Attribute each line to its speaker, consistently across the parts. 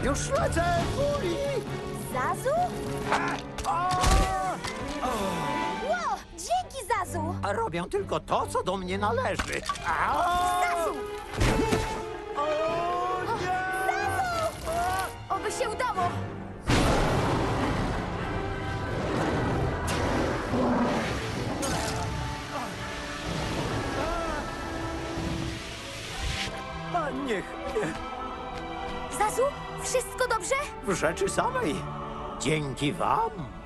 Speaker 1: Już lecę, Fuli!
Speaker 2: Zazu? Ło, dzięki, Zazu!
Speaker 1: A robię tylko to, co do mnie należy.
Speaker 2: Zazu! Zazu! Oby się udało!
Speaker 1: A niech nie.
Speaker 2: Zazu, wszystko dobrze?
Speaker 1: W rzeczy samej. Dzięki wam.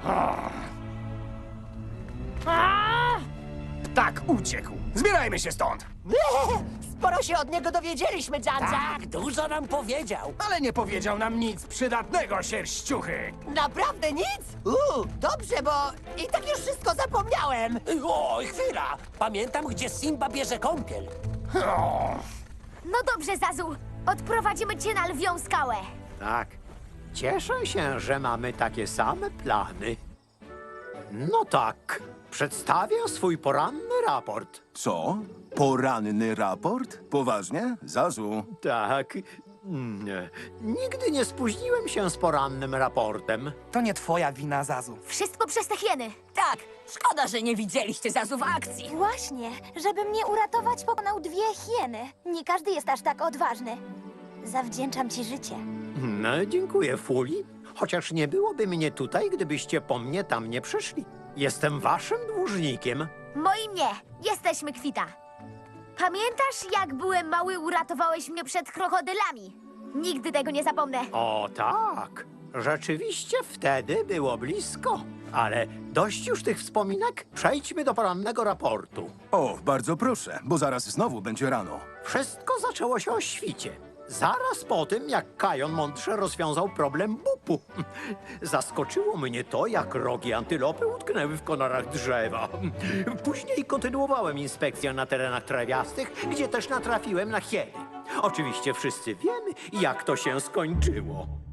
Speaker 3: Tak, uciekł. Zbierajmy się stąd.
Speaker 4: Sporo się od niego dowiedzieliśmy, Dzandza.
Speaker 5: Tak, dużo nam powiedział.
Speaker 3: Ale nie powiedział nam nic przydatnego, sierściuchy.
Speaker 4: Naprawdę nic? Dobrze, bo i tak już wszystko zapomniałem.
Speaker 5: Oj, chwila! Pamiętam, gdzie Simba bierze kąpiel.
Speaker 2: No dobrze, Zazu. Odprowadzimy cię na lwią skałę.
Speaker 1: Tak. Cieszę się, że mamy takie same plany. No tak. Przedstawię swój poranny raport.
Speaker 6: Co? Poranny raport? Poważnie? Zazu.
Speaker 1: Tak. Nigdy nie spóźniłem się z porannym raportem.
Speaker 7: To nie twoja wina, Zazu.
Speaker 2: Wszystko przez te hieny.
Speaker 4: Tak, szkoda, że nie widzieliście Zazu w akcji.
Speaker 2: Właśnie, żeby mnie uratować, pokonał 2 hieny. Nie każdy jest aż tak odważny. Zawdzięczam ci życie.
Speaker 1: No, dziękuję, Fuli. Chociaż nie byłoby mnie tutaj, gdybyście po mnie tam nie przyszli. Jestem waszym dłużnikiem.
Speaker 2: Moim nie. Jesteśmy kwita. Pamiętasz, jak byłem mały, uratowałeś mnie przed krokodylami? Nigdy tego nie zapomnę.
Speaker 1: O tak. Rzeczywiście wtedy było blisko. Ale dość już tych wspominek. Przejdźmy do porannego raportu.
Speaker 6: O, bardzo proszę, bo zaraz znowu będzie rano.
Speaker 1: Wszystko zaczęło się o świcie. Zaraz po tym, jak Kajon mądrze rozwiązał problem bupu. Zaskoczyło mnie to, jak rogi antylopy utknęły w konarach drzewa. Później kontynuowałem inspekcję na terenach trawiastych, gdzie też natrafiłem na hieny. Oczywiście wszyscy wiemy, jak to się skończyło.